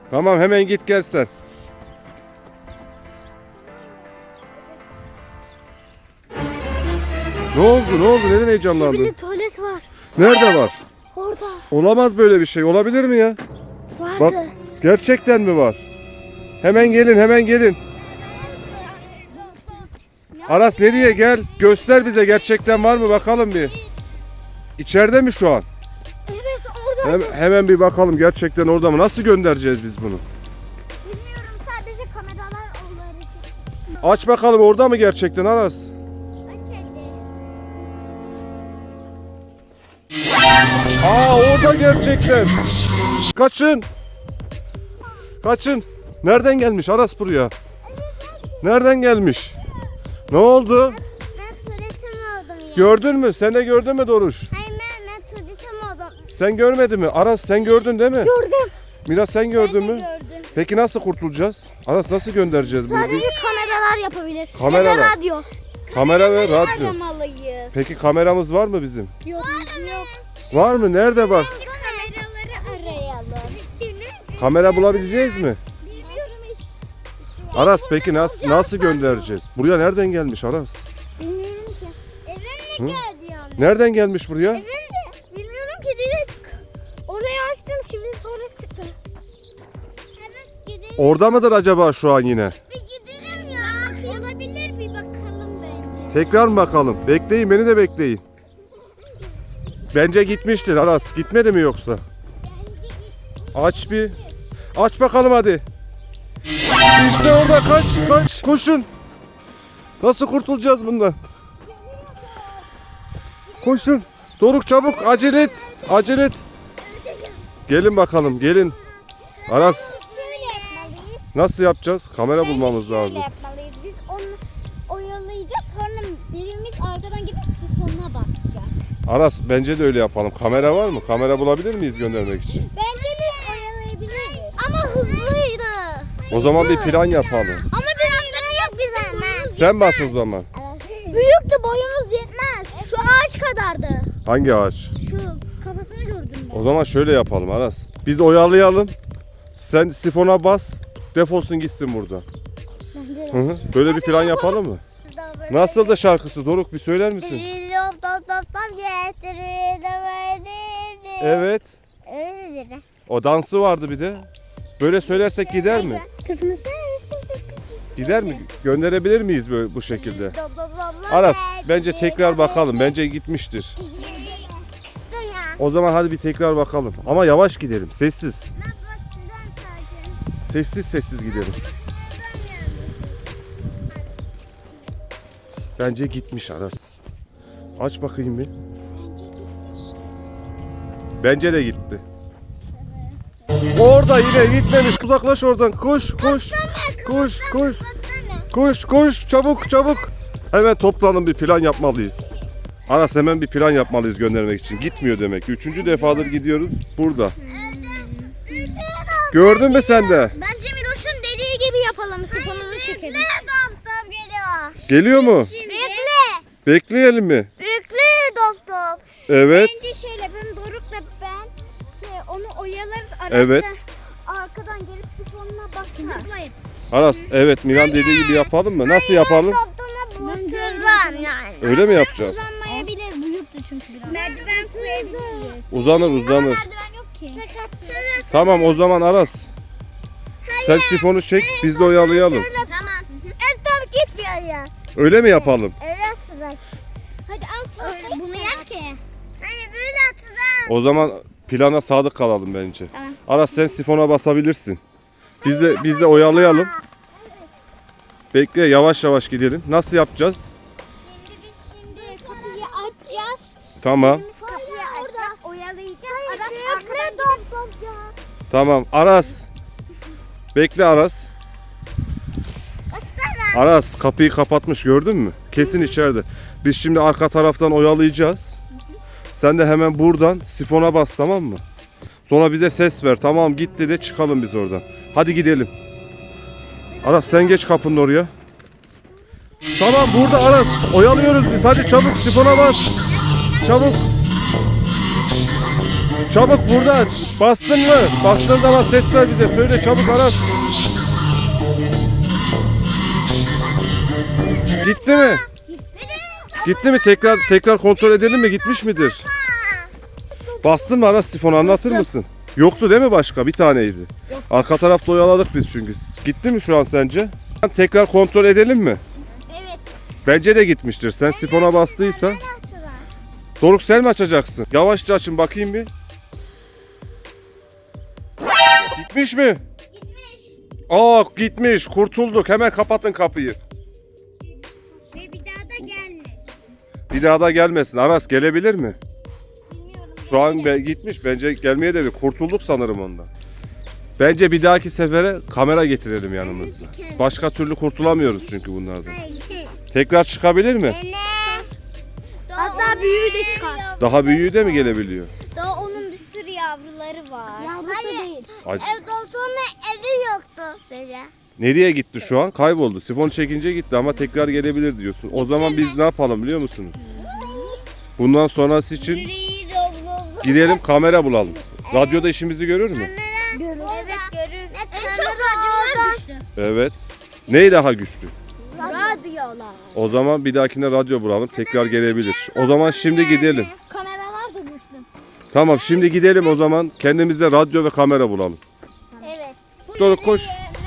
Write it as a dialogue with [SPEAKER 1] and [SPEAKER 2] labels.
[SPEAKER 1] Tamam, hemen git gel sen. Ne oldu? Ne oldu? Neden heyecanlandın?
[SPEAKER 2] Sibirli tuvalet var.
[SPEAKER 1] Nerede var?
[SPEAKER 2] Orada.
[SPEAKER 1] Olamaz böyle bir şey. Olabilir mi ya?
[SPEAKER 2] Vardı.
[SPEAKER 1] Bak, gerçekten mi var? Hemen gelin, hemen gelin. Aras nereye gel? Göster bize, gerçekten var mı bakalım bir. İçeride mi şu an?
[SPEAKER 2] Evet orada.
[SPEAKER 1] Hemen bir bakalım, gerçekten orada mı? Nasıl göndereceğiz biz bunu?
[SPEAKER 2] Bilmiyorum, sadece kameralar onları çekiyor.
[SPEAKER 1] Aç bakalım, orada mı gerçekten Aras? Orada gerçekten. Kaçın. Kaçın. Nereden gelmiş Aras buraya? Nereden gelmiş? Ne oldu?
[SPEAKER 2] Ben tuvaletim oldum ya.
[SPEAKER 1] Gördün mü? Sen de gördün mü Doruş?
[SPEAKER 2] Hayır ben tuvaletim oldum.
[SPEAKER 1] Sen görmedin mi? Aras sen gördün değil mi?
[SPEAKER 2] Gördüm.
[SPEAKER 1] Miraç sen gördün mü?
[SPEAKER 2] Gördüm.
[SPEAKER 1] Peki nasıl kurtulacağız? Aras nasıl göndereceğiz bunu?
[SPEAKER 2] Sadece kameralar yapabilir.
[SPEAKER 1] Kameralar.
[SPEAKER 2] Ya da radyo.
[SPEAKER 1] Kamera ve radyo.
[SPEAKER 2] Aramalıyız.
[SPEAKER 1] Peki kameramız var mı bizim?
[SPEAKER 2] Yok. Yok.
[SPEAKER 1] Var mı? Nerede var?
[SPEAKER 2] Kameraları arayalım.
[SPEAKER 1] Kamera bulabileceğiz mi?
[SPEAKER 2] Bilmiyorum hiç.
[SPEAKER 1] Aras peki nasıl göndereceğiz? Buraya nereden gelmiş Aras?
[SPEAKER 2] Bilmiyorum ki. Evrenle geldi yani.
[SPEAKER 1] Nereden gelmiş buraya?
[SPEAKER 2] Evrenle. Bilmiyorum ki, direkt orayı açtım, şimdi sonra çıktı. Evet, gidelim.
[SPEAKER 1] Orada mıdır acaba şu an yine?
[SPEAKER 2] Bir gidelim ya. Olabilir, bir bakalım bence.
[SPEAKER 1] Tekrar mı bakalım? Bekleyin, beni de bekleyin. Bence gitmiştir Aras. Gitmedi mi yoksa? Aç bir. Aç bakalım hadi. İşte orada, kaç. Koşun. Nasıl kurtulacağız bundan? Koşun. Doruk çabuk, acele et. Acele et. Gelin bakalım, gelin. Aras
[SPEAKER 2] Şöyle yapmalıyız.
[SPEAKER 1] nasıl yapacağız? Kamera bulmamız
[SPEAKER 2] Şöyle
[SPEAKER 1] lazım.
[SPEAKER 2] yapmalıyız. Biz onu oyalayacağız. Sonra birimiz arkadan gidip sifonuna basacak.
[SPEAKER 1] Aras bence de öyle yapalım. Kamera var mı? Kamera bulabilir miyiz göndermek için?
[SPEAKER 2] Bence biz oyalayabiliriz. Ama hızlıydı.
[SPEAKER 1] O zaman bir plan yapalım.
[SPEAKER 2] Ama biraz da yok bizim boyumuz.
[SPEAKER 1] Sen bas o zaman.
[SPEAKER 2] Büyüktü, boyumuz yetmez. Şu ağaç kadardı.
[SPEAKER 1] Hangi ağaç?
[SPEAKER 2] Şu kafasını gördüm ben.
[SPEAKER 1] O zaman şöyle yapalım Aras. Biz oyalayalım. Sen sifona bas. Defolsun gitsin burada. Hı hı. Böyle bir plan yapalım mı? Nasıl da şarkısı Doruk, bir söyler misin? Evet.
[SPEAKER 2] Öyle dedi.
[SPEAKER 1] O dansı vardı bir de. Böyle söylersek gider mi?
[SPEAKER 2] Kızımız
[SPEAKER 1] Gider mi? Gönderebilir miyiz böyle bu şekilde? Aras bence tekrar bakalım. Bence gitmiştir. O zaman hadi bir tekrar bakalım. Ama yavaş gidelim. Sessiz. Sessiz gidelim. Bence gitmiş Aras. Aç bakayım bir. Bence de gitti. Orada yine gitmemiş. Uzaklaş oradan. Koş. Koş. Çabuk. Hemen toplanın, bir plan yapmalıyız. Aras hemen bir plan yapmalıyız göndermek için. Gitmiyor demek ki. 3. defadır gidiyoruz. Burada. Gördün mü sen de?
[SPEAKER 2] Bence Miroş'un dediği gibi yapalım. Sifonunu çekelim. Doktor geliyor.
[SPEAKER 1] Geliyor mu?
[SPEAKER 2] Bekle.
[SPEAKER 1] Bekleyelim mi?
[SPEAKER 2] Bekle doktor.
[SPEAKER 1] Evet.
[SPEAKER 2] Bence şöyle, ben Doruk'la onu oyalarız. Arasına,
[SPEAKER 1] Evet.
[SPEAKER 2] arkadan gelip sifonuna basın. Zıplayın.
[SPEAKER 1] Aras evet, Miran dediği gibi yapalım mı? Nasıl yapalım?
[SPEAKER 2] Bence yani.
[SPEAKER 1] Öyle mi yapacağız?
[SPEAKER 2] Uzanmayabilir. Büyüktü çünkü biraz. Merdiven koyabiliriz.
[SPEAKER 1] Uzanır.
[SPEAKER 2] Merdiven yok ki.
[SPEAKER 1] Tamam o zaman Aras. Sen sifonu çek, biz de oyalayalım.
[SPEAKER 2] Tamam. Tamam, git ya.
[SPEAKER 1] Öyle mi yapalım?
[SPEAKER 2] Öyle atacak. Hadi al. Bunu yap ki. Hayır, böyle atacağım.
[SPEAKER 1] O zaman plana sadık kalalım bence.
[SPEAKER 2] Tamam.
[SPEAKER 1] Aras sen sifona basabilirsin. Biz de oyalayalım. Bekle, yavaş gidelim. Nasıl yapacağız?
[SPEAKER 2] Şimdi kapıyı açacağız.
[SPEAKER 1] Tamam.
[SPEAKER 2] Kapıyı açacağız. Oyalayacağız. Aras arkadan gidecek.
[SPEAKER 1] Tamam. Aras. Bekle Aras. Aras kapıyı kapatmış, gördün mü? Kesin içeride. Biz şimdi arka taraftan oyalayacağız. Sen de hemen buradan sifona bas, tamam mı? Sonra bize ses ver. Tamam gitti de çıkalım biz oradan. Hadi gidelim. Aras sen geç kapının oraya. Tamam burada Aras. Oyalıyoruz biz. Hadi çabuk sifona bas. Çabuk. Çabuk burada. Bastın mı? Bastığın zaman ses ver bize. Söyle çabuk Aras. Gitti mi? Gitti mi? Tekrar kontrol edelim mi? Gitmiş midir? Bastın mı Aras sifonu, anlatır mısın? Yoktu değil mi başka? Bir taneydi. Arka tarafta oyaladık biz çünkü. Gitti mi şu an sence? Tekrar kontrol edelim mi?
[SPEAKER 2] Evet.
[SPEAKER 1] Bence de gitmiştir. Sen sifona bastıysan. Doruk sen mi açacaksın? Yavaşça açın bakayım bir. Gitmiş mi?
[SPEAKER 2] Gitmiş.
[SPEAKER 1] Aa gitmiş. Kurtulduk. Hemen kapatın kapıyı.
[SPEAKER 2] Ve bir daha da gelmez.
[SPEAKER 1] Bir daha da gelmesin. Aras gelebilir mi?
[SPEAKER 2] Bilmiyorum.
[SPEAKER 1] Şu an gitmiş. Bence gelmeye de bir kurtulduk sanırım ondan. Bence bir dahaki sefere kamera getirelim yanımızda. Başka türlü kurtulamıyoruz çünkü bunlardan. Tekrar çıkabilir mi?
[SPEAKER 2] Hatta büyüğü de çıkar.
[SPEAKER 1] Daha büyüğü de mi gelebiliyor?
[SPEAKER 2] Daha onun bir sürü yavruları var. Yavrusu değil.
[SPEAKER 1] Acı.
[SPEAKER 2] Evde sonra evi yoktu böyle.
[SPEAKER 1] Nereye gitti şu an? Kayboldu. Sifon çekince gitti ama tekrar gelebilir diyorsun. O zaman biz ne yapalım biliyor musunuz? Bundan sonrası için gidelim kamera bulalım. Radyoda işimizi görür mü?
[SPEAKER 2] Evet görürüz. En çok radyolar düştü.
[SPEAKER 1] Evet. Ney daha güçlü?
[SPEAKER 2] Radyolar.
[SPEAKER 1] O zaman bir dahakine radyo bulalım. Tekrar gelebilir. O zaman şimdi gidelim.
[SPEAKER 2] Kameralar da düştü.
[SPEAKER 1] Tamam şimdi gidelim o zaman. Kendimize radyo ve kamera bulalım.
[SPEAKER 2] Evet.
[SPEAKER 1] Doruk koş.